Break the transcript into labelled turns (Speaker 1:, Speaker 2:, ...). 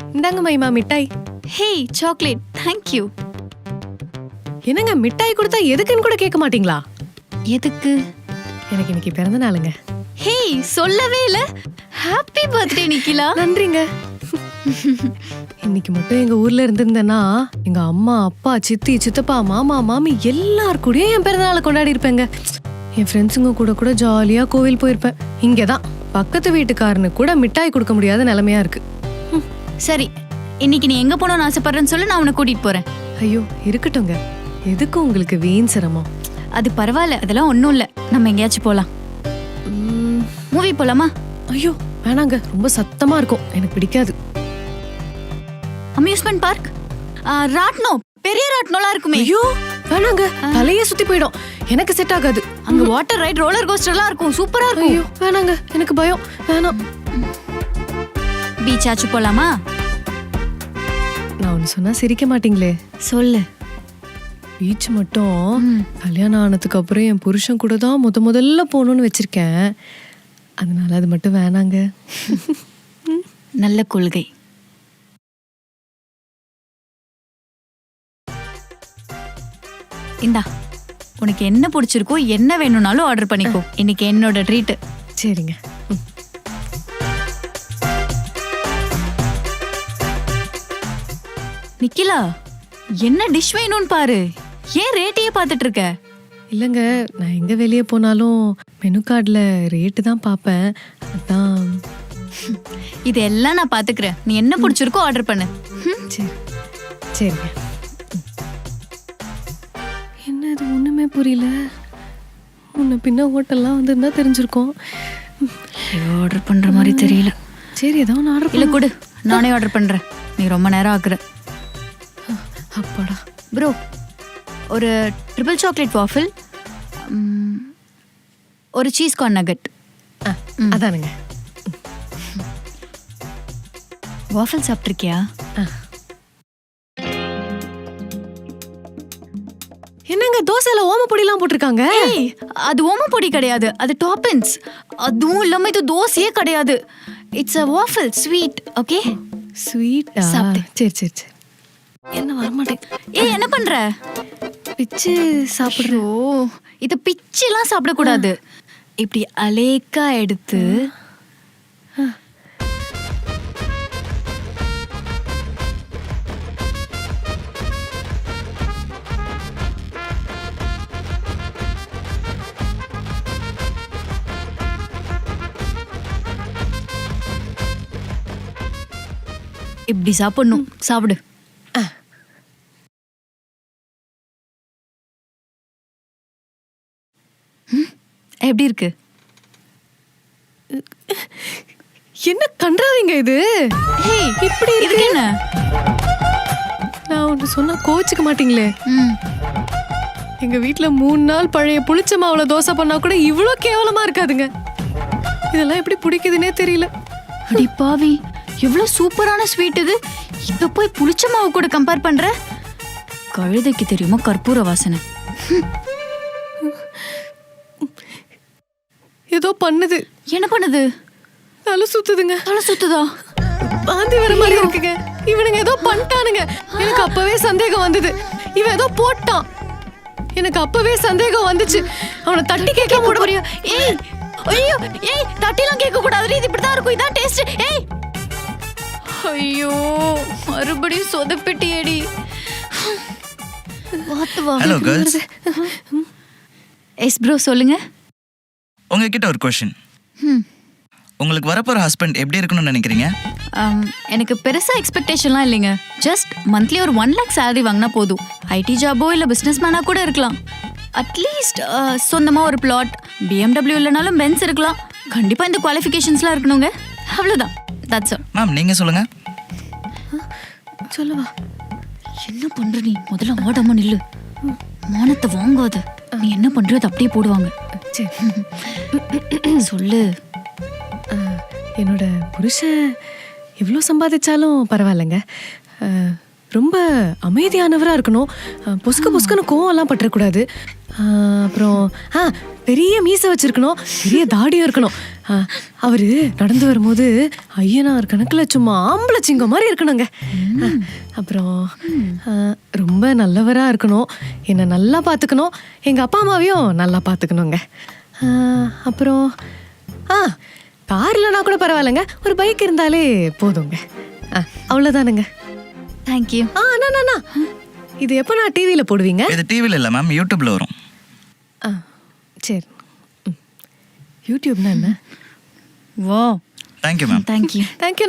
Speaker 1: இந்தாங்க மைமா மிட்டாய்.
Speaker 2: Hey chocolate, thank you.
Speaker 1: என்னங்க மிட்டாய் கொடுத்தா எதுக்குன்னு கூட கேட்க மாட்டீங்களா?
Speaker 2: எதுக்கு?
Speaker 1: எனக்கு இன்னைக்கு பிறந்த நாளுங்க.
Speaker 2: ஹே சொல்லவே இல்ல. Happy birthday Nikhila.
Speaker 1: நன்றிங்க. இன்னைக்கு மட்டும் எங்க ஊர்ல இருந்திருந்தேன்னா எங்க அம்மா அப்பா சித்தி சித்தப்பா மாமா மாமி எல்லார் கூடயும் என் பிறந்த நாளை கொண்டாடி இருப்பேங்க. என் ஃப்ரெண்ட்ஸுங்க கூட ஜாலியா கோவில் போயிருப்பேன். இங்கதான் பக்கத்து வீட்டுக்காரனு கூட மிட்டாய் கொடுக்க முடியாத நிலைமையா இருக்கு.
Speaker 2: சரி, இன்னைக்கு நீ எங்க போகணும்னு ஆசைப்படுறேன்னு சொல்லு, நான் உன்னை கூட்டிட்டு போறேன்.
Speaker 1: ஐயோ இருக்கட்டுங்க, எதுக்கு உங்களுக்கு வீண் சிரமம்?
Speaker 2: அது பரவாயில்ல, அதெல்லாம் ஒன்றும் இல்லை. நம்ம எங்கேயாச்சும் போகலாம். மூவி போலாமா?
Speaker 1: ஐயோ வேணாங்க, ரொம்ப சத்தமா இருக்கும், எனக்கு பிடிக்காது.
Speaker 2: அம்யூஸ்மெண்ட் பார்க், ராட்னோ, பெரிய ராட்னோலாம் இருக்குமே.
Speaker 1: ஐயோ வேணாங்க, தலையே சுத்தி போயிடும், எனக்கு செட் ஆகாது.
Speaker 2: அங்க வாட்டர் ரைட், ரோலர் கோஸ்டர்லாம் இருக்கும், சூப்பரா இருக்கும்.
Speaker 1: ஐயோ வேணாங்க, எனக்கு பயம், வேணாம்.
Speaker 2: பீச் ஆச்சு போலாமா?
Speaker 1: நான் ஒன்னு சொன்னா சிரிக்க மாட்டீங்களே.
Speaker 2: சொல்லு.
Speaker 1: பீச் மட்டும் கல்யாணம் ஆனதுக்கு அப்புறம் என் புருஷன் கூட தான் முதல்ல போகணும்னு வச்சிருக்கேன். அதனால அது மட்டும் வேணாங்க.
Speaker 2: நல்ல கொள்கை. இந்தா, உனக்கு என்ன பிடிச்சிருக்கோ என்ன வேணும்னாலும் ஆர்டர் பண்ணிக்கோ. இன்னைக்கு என்னோட ட்ரீட்.
Speaker 1: சரிங்க.
Speaker 2: நிக்கிலா, என்ன டிஷ் வேணும்னு பாரு. ஏன் ரேட்டையே பார்த்துட்டு இருக்க?
Speaker 1: இல்லைங்க, நான் எங்க வெளியே போனாலும் மெனு கார்டில் ரேட்டு தான் பார்ப்பேன். அதான்.
Speaker 2: இதெல்லாம் நான் பாத்துக்கிறேன். நீ என்ன பிடிச்சிருக்கோ ஆர்டர் பண்ணு.
Speaker 1: சரி சரிங்க. என்ன இது ஒண்ணுமே புரியல. முன்ன பின்ன ஹோட்டல்லாம் வந்திருந்தா தெரிஞ்சிருக்கோம்.
Speaker 2: ஆர்டர் பண்ற மாதிரி தெரியல.
Speaker 1: சரி ஏதோ ஒன்று ஆர்டர்
Speaker 2: இல்ல கொடு, நானே ஆர்டர் பண்றேன். நீ ரொம்ப நேரம் ஆக்குற.
Speaker 1: அப்பாடா.
Speaker 2: ப்ரோ, ஒரு ட்ரிபிள் சாக்லேட் வாஃபிள், ஒரு சீஸ் கார்ன் நகட்.
Speaker 1: அதானுங்க.
Speaker 2: வாஃபிள் சாப்பிட்ருக்கியா?
Speaker 1: என்னங்க தோசையில ஓமப்பொடிலாம் போட்டிருக்காங்க?
Speaker 2: அது ஓமப்பொடி கிடையாது, அது டாப்பிங்ஸ். அதுவும் இல்லாம இது தோசையே கிடையாது. It's a waffle sweet, okay?
Speaker 1: ஸ்வீட்டா?
Speaker 2: சாப்பிடு.
Speaker 1: சரி சரி சரி. என்ன வரமாட்டேன்.
Speaker 2: என்ன பண்ற?
Speaker 1: பிச்சு சாப்பிடுறோம்.
Speaker 2: ஓ, இது பிச்செல்லாம் சாப்பிடக்கூடாது. இப்படி அலேக்கா எடுத்து இப்படி சாப்பிடணும். சாப்பிடு. எப்படி இருக்கு?
Speaker 1: என்ன கண்டாதீங்க இது.
Speaker 2: இப்படி இருக்கு என்ன?
Speaker 1: நான் ஒன்று சொன்னா கோச்சுக்க மாட்டீங்களே. எங்க வீட்டுல 3 நாள் பழைய புளிச்ச மாவுல தோசை பண்ணா கூட இவ்வளோ கேவலமா இருக்காதுங்க. இதெல்லாம் எப்படி பிடிக்குதுன்னே தெரியல.
Speaker 2: அடி பாவி, எவ்வளவு சூப்பரான ஸ்வீட் இது. இத போய் புளிச்ச மாவு கூட கம்பேர் பண்ற? கழுதைக்கு தெரியுமா கற்பூர வாசனை?
Speaker 1: ஏதோ பண்ணுது.
Speaker 2: என்ன பண்ணுது?
Speaker 1: தலை சுத்துதுங்க.
Speaker 2: தலை சுத்துதா?
Speaker 1: வாந்தி வர மாதிரி இருக்குங்க. இவனுங்க ஏதோ பண்ணிட்டானுங்க. எனக்கு அப்பவே சந்தேகம் வந்தது. இவன் ஏதோ போட்டான். எனக்கு அப்பவே சந்தேகம் வந்துச்சு. அவனை தட்டி கேட்க முடியும்.
Speaker 2: ஏய் ஐயோ, ஏய் தட்டிலாம் கேட்க கூடாது. இது இப்படிதான் இருக்கும், இதான் டேஸ்ட். ஏய் ஐயோ, மறுபடியும் சொதப்பிட்டியேடி. வாத்து வா.
Speaker 3: Hello girls.
Speaker 2: எஸ் ப்ரோ, சொல்லுங்க.
Speaker 3: உங்ககிட்ட ஒரு क्वेश्चन. உங்களுக்கு வரப்போற ஹஸ்பண்ட் எப்படி இருக்கணும்னு நினைக்கிறீங்க?
Speaker 2: எனக்கு பெருசா எக்ஸ்பெக்டேஷன்லாம் இல்லைங்க. ஜஸ்ட் மந்த்லி ஒரு 1 lakh salary வாங்கினா போதும். ஐடி ஜாபோ இல்லை பிஸ்னஸ் மேனா கூட இருக்கலாம். அட்லீஸ்ட் சொந்தமாக ஒரு பிளாட், BMW இல்லைனாலும் பென்ஸ் இருக்கலாம். கண்டிப்பாக இந்த குவாலிஃபிகேஷன்ஸ்லாம் இருக்கணுங்க. அவ்வளோதான். That's all.
Speaker 3: மேம் நீங்க சொல்லுங்க.
Speaker 1: சொல்லுவா.
Speaker 2: என்ன பண்ற நீ? முதல்ல ஆடாம நில்லு. மானத்தை வாங்காத. நீ என்ன பண்றது அப்படியே போடுவாங்க. சொல்லு.
Speaker 1: என்னோட புருஷன் எவ்வளோ சம்பாதிச்சாலும் பரவாயில்லைங்க. ரொம்ப அமைதியானவராக இருக்கணும். பொசுக்குன்னு கோவம்லாம் பற்றக்கூடாது. அப்புறம் பெரிய மீசை வச்சிருக்கணும், பெரிய தாடியும் இருக்கணும். அவரு நடந்து வரும்போது ஐயனார் கணக்குல சும்மா ஆம்பளை சிங்கம் மாதிரி இருக்கணுங்க. அப்புறம் ரொம்ப நல்லவரா இருக்கணும், என்னை நல்லா பார்த்துக்கணும், எங்க அப்பா அம்மாவையும் நல்லா பார்த்துக்கணுங்க. அப்புறம் கார் இல்லைனா கூட பரவாயில்லைங்க, ஒரு பைக் இருந்தாலே போதுங்க. அவ்வளோதானுங்க.
Speaker 2: தேங்க்யூ.
Speaker 1: அண்ணா இது எப்போ நான் டிவியில் போடுவீங்க?
Speaker 3: இது டிவியில் இல்லை மேம், யூடியூப்ல வரும்.
Speaker 1: சரி. யூடியூப்னா என்ன?
Speaker 2: வா.
Speaker 3: Thank you ma'am.
Speaker 2: தேங்க்யூ.
Speaker 1: தேங்க்யூ.